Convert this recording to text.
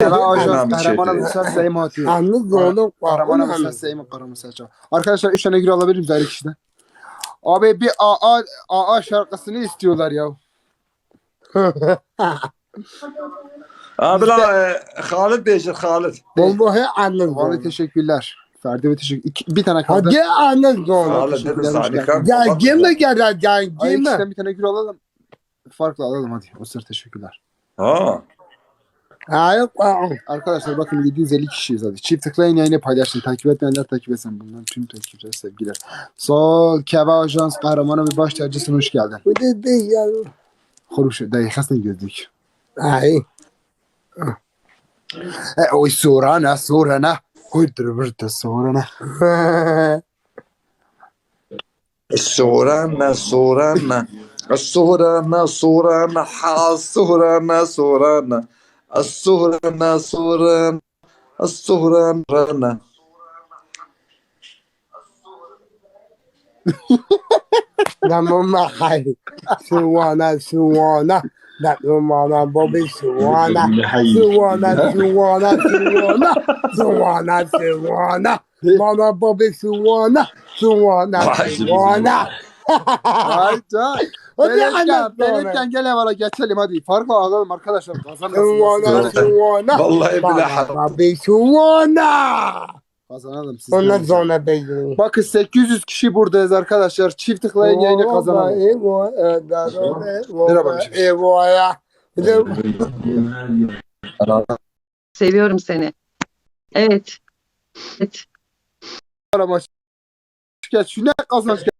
Keva Ajans Önemli şey kahraman değil. alırsa Seyim atıyor. Anlı oğlum. Kahraman alırsa Seyim kahraman seçiyor. Arkadaşlar 3 tane gül alabilir miyiz ayrı kişiden? Abi bir AA şarkısını istiyorlar ya. Abi la Halit Beyciğim Halit. Vallahi anlı Vallahi oğlum. teşekkürler. Ferdi ve teşekkür. Bir tane kaldı. Hadi anlı oğlum. Halit dedi teşekkürler, hoş Zanika. geldin. Gel gime gel gel Ayrı gime. kişiden bir tane gül alalım. Farklı alalım hadi. O sırada teşekkürler. Ha. Hayır. Arkadaşlar bakın 750 kişiyiz hadi. Çift tıklayın yayını paylaşın. Takip etmeyenler takip etsin. Bundan tüm takipçiler sevgiler. Sol Keva Ajans kahramanı ve baş tacısına hoş geldin. Bu da değil ya. Hoş dakikasını gördük. Ay. Oy sorana. Huydur burada sorana. Sorana sorana. Sorana sorana. Ha sorana sorana. Sorana sorana. Sorana. Namama hay. Suwana. Namama Bobby Suwana. Mama Bobby Suwana. Hayda. Hadi Benimken gel evvela geçelim hadi. Farklı alalım arkadaşlar. Kazanalım. Vallahi billahi. Bobby Suwana. Kazanalım siz. Ondan sonra bekliyorum. Bakın 800 kişi buradayız arkadaşlar. Çift tıklayın yayını kazanalım. Seviyorum seni. Evet. Evet. Şu ne kazanç